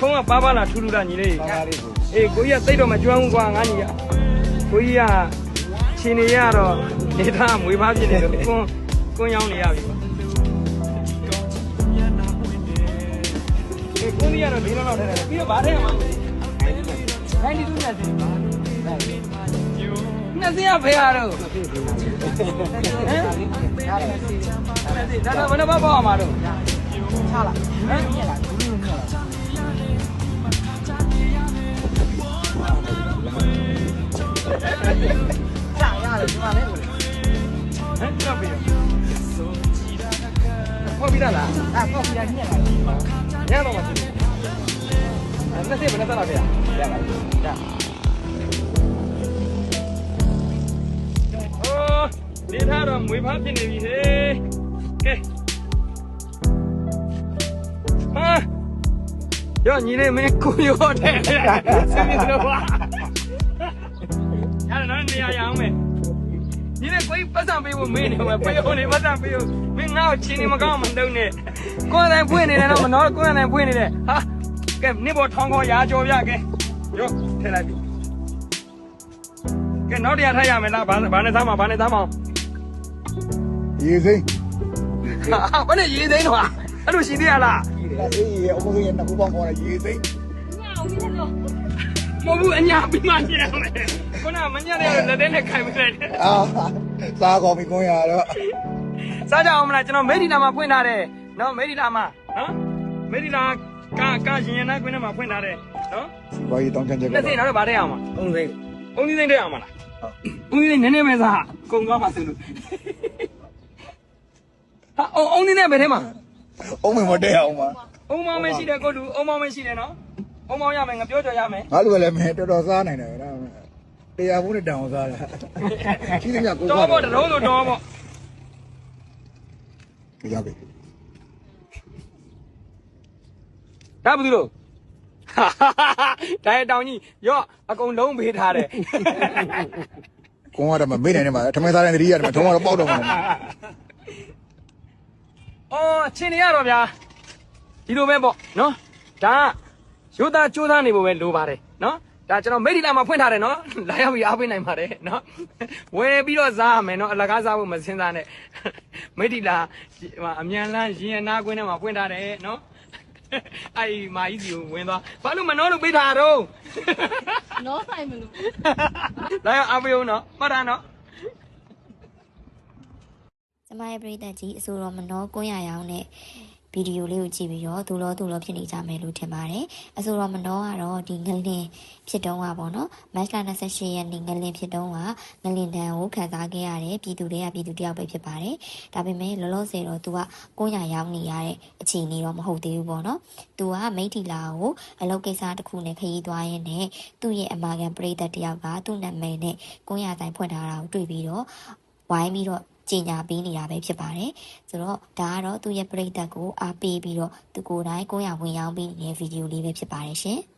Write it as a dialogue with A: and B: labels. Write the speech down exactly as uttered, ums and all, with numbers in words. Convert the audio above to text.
A: ဖုန်းကပါပါလာထူထူလာညီလေးအေးကိုကြီးကသိတော့မကျွမ်းဘူးကွာငါညီကကိုကြီးကချင်းနေရတော့နေသားမွေးဖားဖြစ်နေလို့ကွန်းကွန်းရောင်းနေရပြီကွာအေးကွန်းကြီးကတော့ဒီလောက်လောက်ထဲတယ်ပြီးတော့ဗားထဲမှာနိုင်ဒီတူးနဲ့စင်နှစ်စင်ရဖေးရတော့ဟမ်ဒါတော့ဘယ်နှပတ်ပေါ့မှာတော့ချလာဟမ်မြင်လားဘူးလို့မြင်လားကြာရတယ်ဒီမှာလဲဟမ်ကြောက်ပြီဖောက်ပြီးလားအဲ့ဖောက်ပြီးရညက်လာညက်တော့မရှိဘူးအဲ့နှစ်စင်ဘယ်နှပတ်လာဖေးရရပါရဒီထားတော့မွေးဖားဖြစ်နေပြီဟေးကဲဟာရောညီလေးမင်းကိုရောတဲ့စနေတော့ပါရတယ်နော်နေရာရအောင်မယ်ညီလေးကိုပတ်စံပေးဖို့မင်းနေမှာပေးဖို့နေပတ်စံပေးဖို့မင်းငါ့ကိုချင်းနေမကောင်းမတုံးနဲ့ကိုယ်တိုင်ဖွင့်နေတယ်တော့မနော်ကိုယ်တိုင်ဖွင့်နေတယ်ဟာကဲနေပေါ်ထောင်းခေါ်ရာကြော်ပြကဲရောထည့်လိုက်ပြီကဲနောက်တရားထားရမယ်လားဘာဘာနဲ့သားမဘာနဲ့သားမ
B: ရေစိမ့်
A: ဟာဘာနဲ့ရေစိမ့်တော့အဲ့လိုရှိသေးရလား
B: အေးအမကြီးကနှစ်ခုပေါင်းခေါ်တယ်ရေစိမ့်
A: မဟုတ်ဘူးအညာပြီးမှညံမယ်ခုနမညံ့တဲ့လက်ထဲနဲ့ခိုင်မလိုက်နဲ့
B: အာစားကောင်းပြီကွန်ရတော့
A: စားကြအောင်မလားကျွန်တော်မေဒီလာမှာဖွင့်ထားတယ်နော်မေဒီလာမှာနော်မေဒီလာကကရင်ရင်နာကွင်းထဲမှာဖွင့်ထားတယ်နော်
B: စီပွားရေးတောင်းချမ်းချက်
A: ကတော့နှစ်စိမ့်တော့ဗားတဲ့အောင်မှာသုံးစိမ့်သုံးစိမ့်တဲ့အောင်မလားသုံးစိမ့်နည်းနည်းပဲစားကုန်သွားပါစလို့ဟာအုံအုံနေနဲ့ဘယ်ထဲမှာ
B: အုံးမမတဲ့အောင်ပါ
A: အုံမောင်းမရှိတယ်ကိုလူအုံမောင်းမရှိတယ်နော်အုံမောင်းရမယ်ငါပြောကြရမယ်
B: ငါလူကလည်းမင်းတော်တော်စားနိုင်တယ်ဒါတရားဘူးနဲ့တောင်စားတာကြီးနေကြကို
A: တော့ပေါ့တလုံးလို့တော့ပေါ့
B: ရပြီ
A: ဒါဘူးလို့ဒါတောင်ကြီးရော့အကုန်လုံးပေးထားတယ်
B: ကွန်ကတော့မမေ့နိုင်နဲ့မှာထမင်းစားတဲ့တတိယတယ်မှာထုံးကတော့ပေါက်တော့မှာ
A: အော်ချင်းနေရတော့ဗျာဒီလိုပဲပေါ့နော်ဒါရိုးသားကြိုးစားနေဖို့ပဲလိုပါတယ်နော်ဒါကျွန်တော်မိတ်ဒီလာမှာဖွင့်ထားတယ်နော်လာရောက်ပြီးအားပေးနိုင်ပါတယ်နော်ဝယ်ပြီးတော့စားရမယ်နော်အလကားစားဖို့မစင်စားနဲ့မိတ်ဒီလာအမြန်လန်းရင်အနာကွင်းထဲမှာဖွင့်ထားတယ်နော်အဲ့မာကြီးစီကိုဝင်သွားဘာလို့မနှောလို့ပေးထားတော့
C: နောဆိုင်မလို့
A: လာရောက်အားပေးဦးနော်မှတ်တာနော်
C: ကျမရဲ့ပရိသတ်ကြီးအဆိုတော်မနောကွန်းရရောင်းနဲ့ဗီဒီယိုလေးကိုကြည့်ပြီးတော့သူလောသူလောဖြစ်နေကြမယ်လို့ထင်ပါတယ်အဆိုတော်မနောကတော့ဒီငလင်ဖြစ်တုံးကပေါ့နော်မတ်လ၂၈ရက်နေ့ငလင်ဖြစ်တုံးကငလင်တန်ကိုခံစားခဲ့ရတဲ့ပြည်သူတွေကပြည်သူတယောက်ပဲဖြစ်ပါတယ်ဒါပေမဲ့လောလောဆယ်တော့သူကကွန်းရရောင်းနေရတဲ့အခြေအနေတော့မဟုတ်သေးဘူးပေါ့နော်သူကမိထီလာကိုအလုပ်ကိစ္စတစ်ခုနဲ့ခရီးသွားရင်းနဲ့သူ့ရဲ့အမာခံပရိသတ်တယောက်ကသူ့နာမည်နဲ့ကွန်းရတိုင်းဖွင့်ထားတာကိုတွေ့ပြီးတော့ဝိုင်းပြီးတော့ကျင်ညာပေးနေတာပဲဖြစ်ပါတယ်ဆိုတော့ဒါကတော့သူ့ရဲ့ပရိသတ်ကိုအားပေးပြီးတော့သူကိုယ်တိုင်ကိုယ်ရဝင်ရောက်ပြီးနေတဲ့ဗီဒီယိုလေးပဲဖြစ်ပါတယ်ရှင်